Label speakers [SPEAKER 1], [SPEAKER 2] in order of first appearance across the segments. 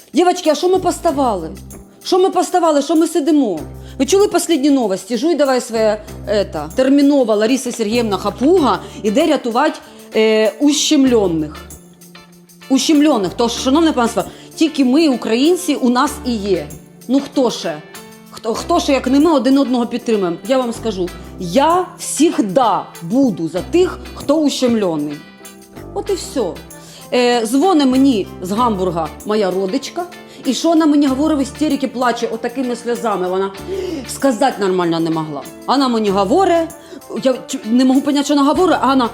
[SPEAKER 1] Дівчатки, а що ми поставали? Що ми сидимо? Ви чули останні новості? Жуй давай своє терміново Лариса Сергіївна Хапуга іде рятувати ущемлених. Ущемлених. Тож, шановне панство, тільки ми, українці, у нас і є. Ну хто ще? Хто ще, як не ми, один одного підтримуємо? Я вам скажу, я завжди буду за тих, хто ущемлений. От і все. Дзвони мені з Гамбурга моя родичка, і що вона мені говорить в істериці, плаче отакими сльозами, вона сказати нормально не могла. Вона мені говорить, я не можу зрозуміти, що вона говорить, а вона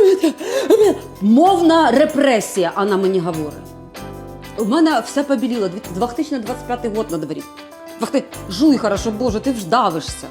[SPEAKER 1] мовна репресія, вона мені говорить. У мене все побіліло, 2025 год на дворі. Жуй хорошо, Боже, ти вждавишся.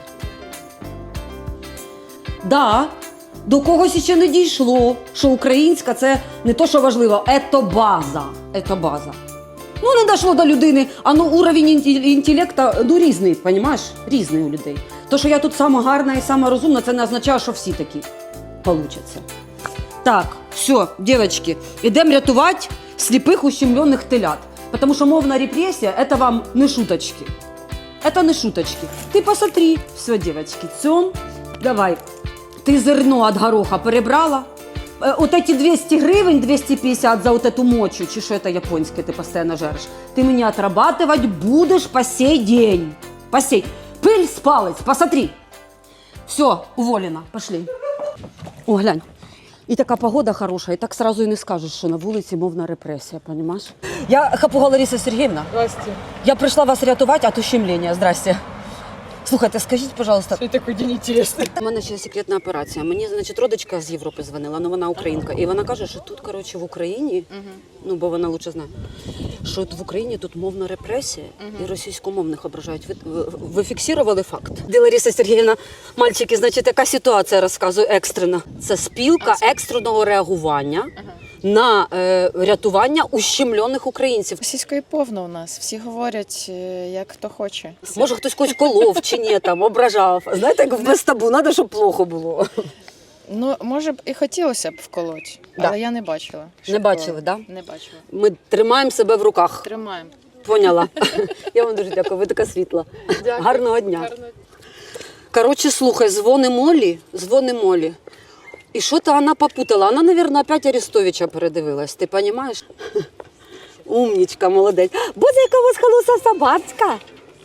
[SPEAKER 1] Да, до когось ще не дійшло, що українська це не то, що важливо, це база. Це база. Ну, не дійшло до людини, а ну уровень інтелекту, ну, різний, розумієш? Різний у людей. То, що я тут сама гарна і сама розумна, це не означає, що всі такі получаться. Так, все, дівчатки, йдемо рятувати сліпих ущемлених телят. Тому що мовна репресія – це вам не шуточки. Это не шуточки. Ты посмотри. Все, девочки, цен. Давай. Ты зерно от гороха перебрала. Вот эти 200 гривен, 250 за вот эту мочу, чи что это японское ты постоянно жаришь, ты меня отрабатывать будешь по сей день. По сей. Пыль с палец, посмотри. Все, уволена. Пошли. О, глянь. І така погода хороша, і так сразу і не скажеш, що на вулиці мовна репресія, розумієш? Я Хапуга Лариса Сергіївна.
[SPEAKER 2] Здрасте.
[SPEAKER 1] Я прийшла вас рятувати від ущемлення. Здрасте. Слухайте, скажіть, пожалуйста.
[SPEAKER 2] Це такий день інтересний.
[SPEAKER 1] У мене ще секретна операція. Мені, значить, родичка з Європи дзвонила, але вона українка. І вона каже, що тут, коротше, в Україні, ну, бо вона лучше знає, що в Україні тут мовна репресія і російськомовних ображають. Ви фіксували факт? Де Лариса Сергіївна, мальчики, значить, яка ситуація, розказую, екстрена. Це спілка екстреного реагування на рятування ущемлених українців.
[SPEAKER 2] Російської повно у нас. Всі говорять, як хто хоче.
[SPEAKER 1] Може, хтось когось колов чи ні, там, ображав. Знаєте, як без табу, треба, щоб плохо було.
[SPEAKER 2] Ну, може б і хотілося б вколоть, але я не бачила.
[SPEAKER 1] Не бачили, так?
[SPEAKER 2] Не бачила.
[SPEAKER 1] Ми тримаємо себе в руках.
[SPEAKER 2] Тримаємо.
[SPEAKER 1] Поняла. Я вам дуже дякую, ви така світла.
[SPEAKER 2] Дякую.
[SPEAKER 1] Гарного дня. Коротше, слухай, дзвони Молі. І що-то вона попутала. Вона, мабуть, опять Арестовича передивилась, ти розумієш? Умнічка, молодець. Буде якогось холоса собацька.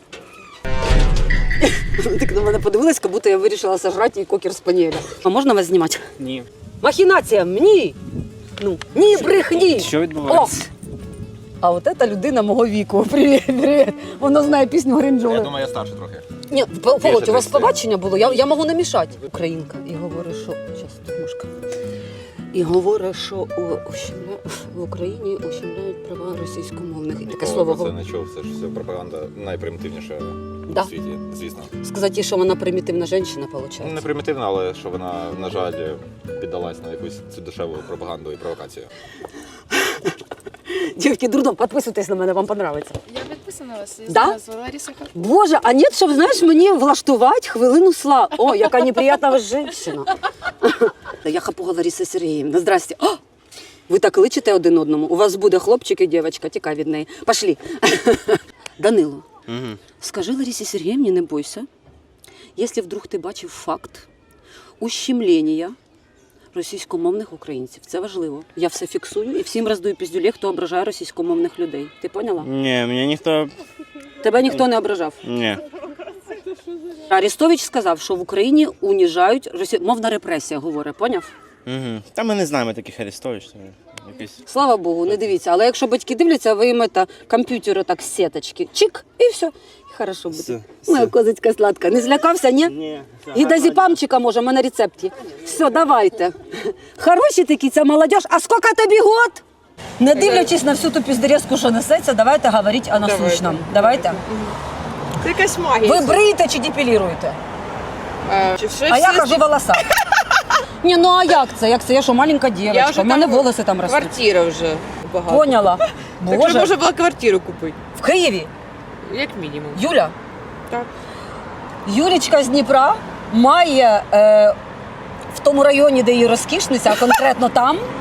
[SPEAKER 1] Так на мене подивилась, як будто я вирішила сожрати їй кокер спанієля. А можна вас знімати?
[SPEAKER 3] Ні.
[SPEAKER 1] Махінація, ні! Ну, ні, брехні!
[SPEAKER 3] Що відбувається?
[SPEAKER 1] А от ця людина мого віку. Привіт, привіт. Вона знає пісню Гринджоли.
[SPEAKER 4] Я думаю, я старше трохи.
[SPEAKER 1] Ні, Володь, у вас побачення було, я можу намішати. Українка. І говорить, що... Зараз, тут мушка. І говорить, що в Україні ущемляють права російськомовних. І таке слово.
[SPEAKER 4] Це не чув, це ж все пропаганда найпримітивніша
[SPEAKER 1] Да.
[SPEAKER 4] в світі, звісно.
[SPEAKER 1] Сказати, що вона примітивна жінка, виходить.
[SPEAKER 4] Не примітивна, але що вона, на жаль, піддалась на якусь цю дешеву пропаганду і провокацію.
[SPEAKER 1] Дівки, дурдом, підписуйтесь на мене, вам подобається.
[SPEAKER 2] Я підписана вас.
[SPEAKER 1] Да?
[SPEAKER 2] Лариса Хапуга.
[SPEAKER 1] Боже, а ні, щоб, знаєш, мені влаштувати хвилину слави. О, яка неприятна жінка. Я Хапуга Лариса Сергіївна. Здрасте. О, ви так личите один одному. У вас буде хлопчик і дівчинка, тікай від неї. Пошли. Данило, скажи Ларисі Сергіївні, не бойся, якщо вдруг ти бачив факт ущемлення російськомовних українців. Це важливо. Я все фіксую і всім роздаю піздюлі, хто ображає російськомовних людей. Ти поняла?
[SPEAKER 3] Ні, мене ніхто...
[SPEAKER 1] Тебе ніхто не ображав?
[SPEAKER 3] Ні.
[SPEAKER 1] Арестович сказав, що в Україні уніжають мовна репресія, говорить, поняв?
[SPEAKER 3] Угу. Та ми не знаємо таких Арестович. Якийсь...
[SPEAKER 1] Слава Богу, не дивіться. Але якщо батьки дивляться, ви їм комп'ютери так з сіточки. Чик, і все. І хорошо буде. Моя козицька сладка. Не злякався, ні?
[SPEAKER 3] Ні.
[SPEAKER 1] Гідазіпамчика може, в мене на рецепті. Все, давайте. Хороші такі, ця молодіж. А скільки тобі год? Не дивлячись на всю ту піздерезку, що несеться, давайте говорити о насущному. Давайте.
[SPEAKER 2] Це якась магія.
[SPEAKER 1] Ви бриєте чи депіліруєте?
[SPEAKER 2] А
[SPEAKER 1] я хожу волоса. Ні, ну а як це? Як це? Я що, маленька дівчинка, в мене волоси там ростуть.
[SPEAKER 5] Квартира вже багато.
[SPEAKER 1] Поняла.
[SPEAKER 5] Так що
[SPEAKER 1] Боже,
[SPEAKER 5] можна було квартиру купити,
[SPEAKER 1] в Києві.
[SPEAKER 5] як мінімум.
[SPEAKER 1] Юля?
[SPEAKER 5] Так.
[SPEAKER 1] Юлічка з Дніпра має в тому районі, де її розкішниця, а конкретно там,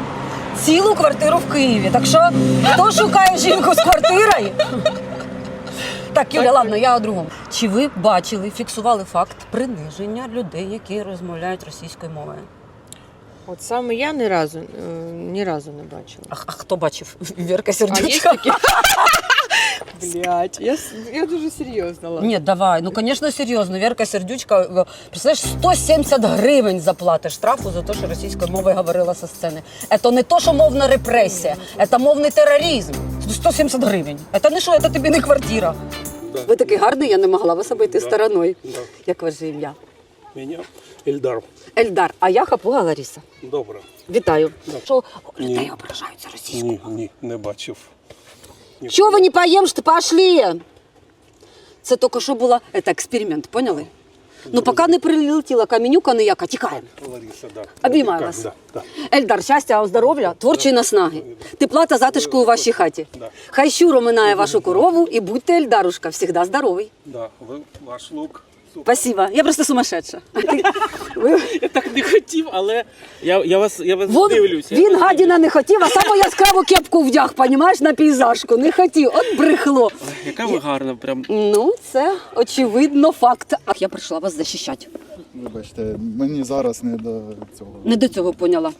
[SPEAKER 1] цілу квартиру в Києві. Так що, хто шукає жінку з квартирою? Так, Юля, ладно, я о другому. Чи ви бачили, фіксували факт приниження людей, які розмовляють російською мовою?
[SPEAKER 5] От саме я ні разу не бачила.
[SPEAKER 1] А хто бачив? Вірка
[SPEAKER 5] А є
[SPEAKER 1] Сердючка?
[SPEAKER 5] такі? Блять, я дуже серйозно. Ладно.
[SPEAKER 1] Ні, давай. Ну, звісно, серйозно. Вірка Сердючка, представляєш, 170 гривень заплатиш штрафу за те, що російською мовою говорила зі сцени. Це не то, що мовна репресія, це мовний тероризм. 170 гривень. Це не що, це тобі не квартира.
[SPEAKER 6] Да.
[SPEAKER 1] Ви такий гарний, я не могла вас обійти стороною.
[SPEAKER 6] Да.
[SPEAKER 1] Як ваше ім'я?
[SPEAKER 6] Меня Ельдар.
[SPEAKER 1] Ельдар, а я Хапуга Лариса.
[SPEAKER 6] Добре.
[SPEAKER 1] Вітаю.
[SPEAKER 6] Да.
[SPEAKER 1] Що людей
[SPEAKER 6] Ні.
[SPEAKER 1] ображаються російською?
[SPEAKER 6] Ні, не бачив.
[SPEAKER 1] Чого ви не поїм, що пошли? Це тільки що була експеримент, поняли? Ну, поки не прилетіла каменюка ніяка, тікаємо.
[SPEAKER 6] Лариса, да.
[SPEAKER 1] Обіймаю
[SPEAKER 6] Так,
[SPEAKER 1] вас.
[SPEAKER 6] Да, да.
[SPEAKER 1] Ельдар, щастя, здоров'я, творчої наснаги, тепла та затишку у вашій хаті.
[SPEAKER 6] Да.
[SPEAKER 1] Хай щуро минає вашу корову і будьте, Ельдарушка, завжди здоровий.
[SPEAKER 6] Да. Ваш лук. Супер.
[SPEAKER 1] Спасибо, я просто сумасшедша.
[SPEAKER 7] Я так не хотів, але я вас дивлюся.
[SPEAKER 1] Він гадіна не хотів, а саму яскраву кепку вдяг, понімаєш, на пейзажку. Не хотів, от брехло.
[SPEAKER 7] Яка ви гарна, прям.
[SPEAKER 1] Ну, це очевидно факт. А я прийшла вас захищати.
[SPEAKER 8] Вибачте, мені зараз не до цього.
[SPEAKER 1] Не до цього поняла.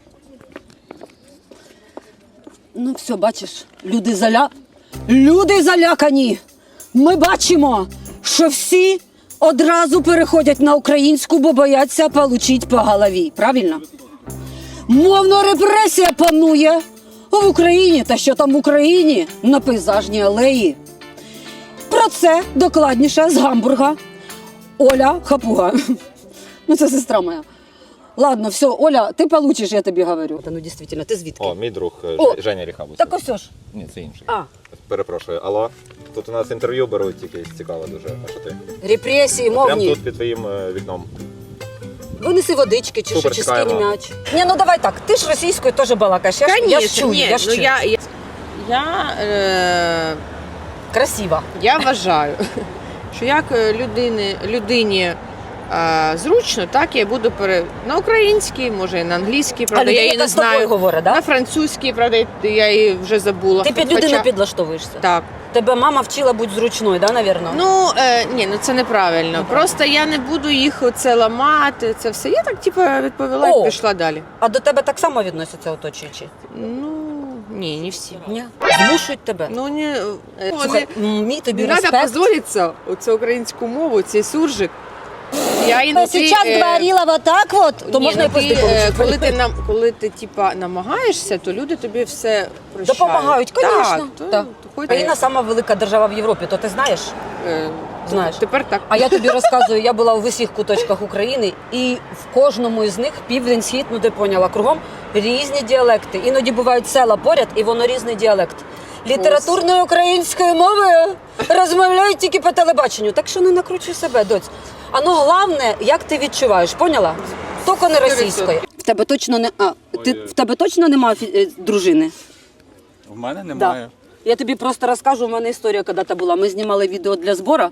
[SPEAKER 1] Ну, все, бачиш, люди залякані. Ми бачимо, що всі одразу переходять на українську, бо бояться получить по голові. Правильно? Мовна репресія панує в Україні, та що там в Україні, на пейзажній алеї. Про це докладніше з Гамбурга Оля Хапуга. Ну, це сестра моя. Ладно, все, Оля, ти получиш, я тобі говорю. Та ну, дійсно, ти звідки?
[SPEAKER 4] О, мій друг
[SPEAKER 1] О,
[SPEAKER 4] Женя Ріхабус.
[SPEAKER 1] Так ось ж.
[SPEAKER 4] Ні, це інший.
[SPEAKER 1] А,
[SPEAKER 4] Перепрошую, алло. Тут у нас інтерв'ю беруть якесь цікаве дуже. А що ти?
[SPEAKER 1] репресії
[SPEAKER 4] Прямо
[SPEAKER 1] мовні.
[SPEAKER 4] тут під твоїм вікном.
[SPEAKER 1] Винеси водички чи що,
[SPEAKER 4] Супер,
[SPEAKER 1] чи скинь
[SPEAKER 4] чекаємо.
[SPEAKER 1] м'яч. Ні, ну давай так, ти ж російською теж балакаєш. Я ж чую,
[SPEAKER 5] ні,
[SPEAKER 1] я ж
[SPEAKER 5] ну
[SPEAKER 1] чую. Красиво.
[SPEAKER 5] Я вважаю, що як людині зручно, так я буду на українській, може і на англійській, правда, я її не
[SPEAKER 1] з тобою
[SPEAKER 5] знаю.
[SPEAKER 1] говорить,
[SPEAKER 5] На
[SPEAKER 1] да?
[SPEAKER 5] французькій, правда, я її вже забула.
[SPEAKER 1] Ти під людину підлаштовуєшся.
[SPEAKER 5] Так.
[SPEAKER 1] Тебе мама вчила бути зручною, да, навірно?
[SPEAKER 5] Ну, ні, ну це неправильно. Просто я не буду їх оце ламати, це все. Я так, відповіла
[SPEAKER 1] О!
[SPEAKER 5] і пішла далі.
[SPEAKER 1] А до тебе так само відносяться оточуючі?
[SPEAKER 5] Ну, ні, не всі.
[SPEAKER 1] Ні. Змушують тебе?
[SPEAKER 5] Ну, не,
[SPEAKER 1] Слухай, мій тобі
[SPEAKER 5] не треба
[SPEAKER 1] респект.
[SPEAKER 5] позоритися оцю українську мову, цей суржик. Я іноді,
[SPEAKER 1] говорила вот так вот, то
[SPEAKER 5] ні,
[SPEAKER 1] можна і
[SPEAKER 5] ну, ти,
[SPEAKER 1] пизди
[SPEAKER 5] коли ти намагаєшся, то люди тобі все прощають.
[SPEAKER 1] Допомагають, звісно.
[SPEAKER 5] Так,
[SPEAKER 1] Так.
[SPEAKER 5] хоч-
[SPEAKER 1] Україна сама велика держава в Європі, то ти знаєш?
[SPEAKER 5] е,
[SPEAKER 1] Знаєш.
[SPEAKER 5] Тепер так.
[SPEAKER 1] А я тобі розказую, я була в усіх куточках України, і в кожному із них південь, схід, ну ти поняла, кругом різні діалекти. Іноді бувають села поряд, і воно різний діалект. Літературною українською мовою розмовляють тільки по телебаченню. Так що не накручуй себе, доць. А ну головне, як ти відчуваєш, поняла? Тільки не російською. В тебе точно не в тебе точно немає дружини?
[SPEAKER 9] В мене немає.
[SPEAKER 1] Я тобі просто розкажу, у мене історія коли-то була. Ми знімали відео для збору,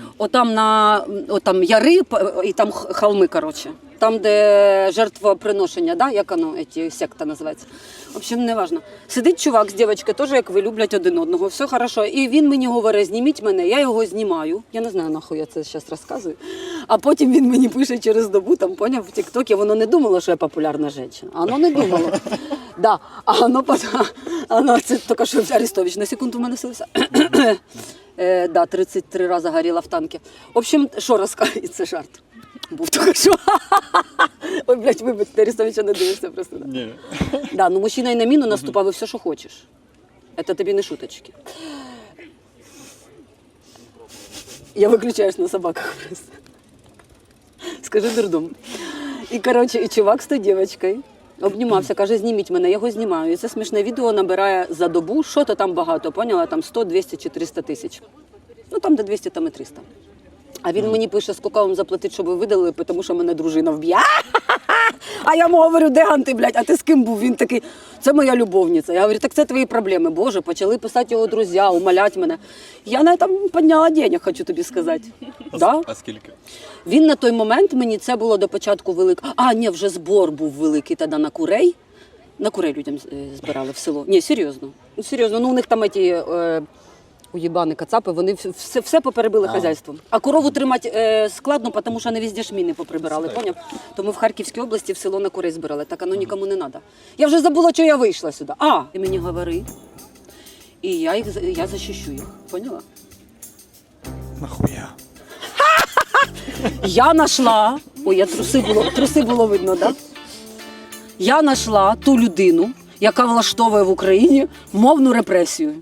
[SPEAKER 1] отам яри і там холми, коротше. Там, де жертвоприношення, да? Як воно, секта називається. В общем, не важно. Сидить чувак з дівчинкою, теж як ви, люблять один одного, все хорошо. І він мені говорить, зніміть мене, я його знімаю. Я не знаю, нахуй я це зараз розказую. А потім він мені пише через добу, там, поняв, в тік-токі, воно не думало, що я популярна жінка. А воно не думало. Да. А воно це тільки що Арестович на секунду в мене селився. Да, 33 рази горіла в танки. В общем, що розказує, це жарт. Був тільки що. Ой, блядь, вибачте, Арестовича не дивишся просто. Да.
[SPEAKER 9] Ні.
[SPEAKER 1] Да, ну мужчина і на міну наступав, і все, що хочеш. Це тобі не шуточки. Я виключаюсь на собаках просто. Скажи дурдом. І, коротше, і чувак з тою дівчинкою обнімався, каже, зніміть мене, я його знімаю. І це смішне відео набирає за добу, що-то там багато, поняла, там 100, 200 чи 300 тисяч. Ну там де 200, там і 300. А він мені пише, скільки вам заплатити, щоб ви видали, тому що мене дружина вб'є. А я йому говорю, де Ганти, блядь, а ти з ким був? Він такий, це моя любовниця. Я говорю, так це твої проблеми. Боже, почали писати його друзі, умолять мене. Я на этом підняла денег, хочу тобі сказати. Да?
[SPEAKER 9] А скільки?
[SPEAKER 1] Він на той момент, мені це було до початку великого. А, ні, вже збор був великий тоді на курей. На курей людям збирали в село. Ні, серйозно. Ну, серйозно. Ну, у них там ті уєбани, кацапи, вони все поперебили хазяйством. А корову тримати складно, тому що не везде ж міни поприбирали, поняв? Тому в Харківській області в село на курей збирали. Так, оно нікому не треба. Я вже забула, що я вийшла сюди. Ти мені говори. І я захищу їх. Поняла?
[SPEAKER 9] Нахуя?
[SPEAKER 1] Я знайшла, труси було видно, да? Я знайшла ту людину, яка влаштовує в Україні мовну репресію.